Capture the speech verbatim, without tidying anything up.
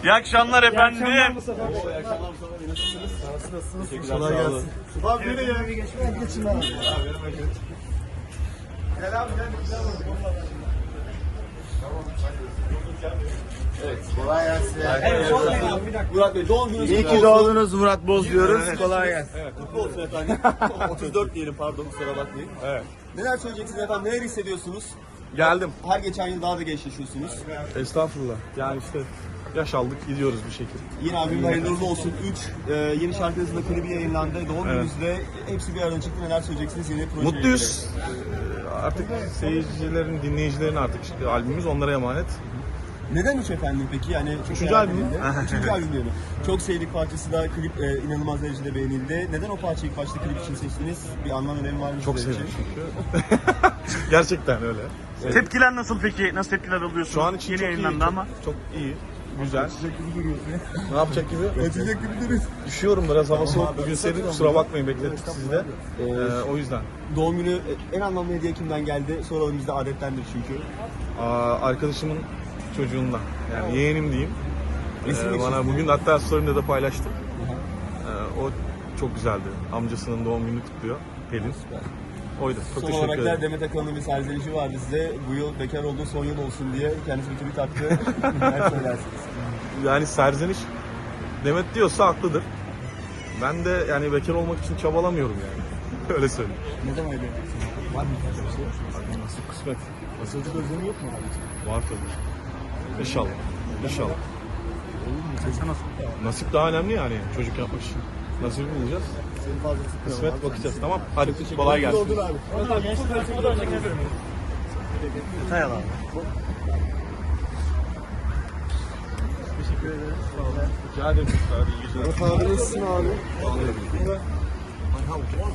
İyi akşamlar efendim. İyi akşamlar Mustafa Bey. İyi akşamlar Mustafa Bey. Nasılsınız? Nasılsınız? Teşekkürler. Kolay gelsin. Abi nereye ya? Geçin geçin abi. Gel abi gel. Evet, kolay gelsin. Evet, Murat Bey, doğum gününüz İyi kutlu ki olsun. doğdunuz Murat Boz diyoruz. Kolay gelsin. Evet, kutlu olsun efendim. otuz dört diyelim, pardon, kusura bakmayın. Evet. Neler söyleyeceksiniz efendim, neler hissediyorsunuz? Geldim. Her geçen yıl daha da gençleşiyorsunuz. Estağfurullah. Yani işte yaş aldık gidiyoruz bir şekilde. Yeni albüm hayırlı uğurlu olsun. üç e, yeni şarkınızın da klibi yayınlandı. Doğum gününüzde hepsi bir arada çıktı. Neler söyleyeceksiniz yeni projeyle? Mutluyuz. Ee, Artık seyircilerin, dinleyicilerin artık işte albümümüz onlara emanet. Neden üç efendim peki? Yani çok Üçüncü merak albüm mü? edildi. Üçüncü albüm diyelim. Çok sevdik parçası da klip e, inanılmaz derecede beğenildi. Neden o parçayı ilk başta klip için seçtiniz? Bir anlam önemi var mı? Çok sizler sevdim için? çünkü. Gerçekten öyle. Tepkiler nasıl peki? Nasıl tepkiler alıyorsunuz? Şu an için Yeni çok iyi, yayınlandı çok, ama. çok iyi, güzel. Ne yapacak gibi? Ötecek gibi duruyorsun. Üşüyorum biraz, hava soğuk. Bugün serin, kusura bakmayın, beklettik sizi de. Ee, o yüzden. Doğum günü en anlamlı hediye kimden geldi? Soralım, bizde adettendir çünkü. Aa, arkadaşımın çocuğundan, yani yeğenim diyeyim. Resim Ee, geçirdi. bana bugün hatta story'imde de paylaştım. Ee, o çok güzeldi. Amcasının doğum gününü kutluyor, Pelin. Oydu. Çok Son teşekkür olarak da ederim. Demet Akalın'ın bir serzenişi vardı size. Bu yıl bekar olduğu son yıl olsun diye kendisi bir tweet attı. Neler söylersiniz? Yani serzeniş Demet diyorsa haklıdır. Ben de yani bekar olmak için çabalamıyorum yani. Öyle söyleyeyim. Ne zaman evleneceksiniz? Var mı bir şey? Nasip kısmet. Nasılcı özlemi yok mu abi? Var tabii. İnşallah. İnşallah. Nasip daha önemli yani çocuk yapmak için. Nasip bulacağız. Senin fazlası Kısmet bakacağız. Tamam. Hadi kolay gelsin. Oldun abi. Hay Allah. Rica ederim. Hadi iyi geceler. Abi nasılsın abi?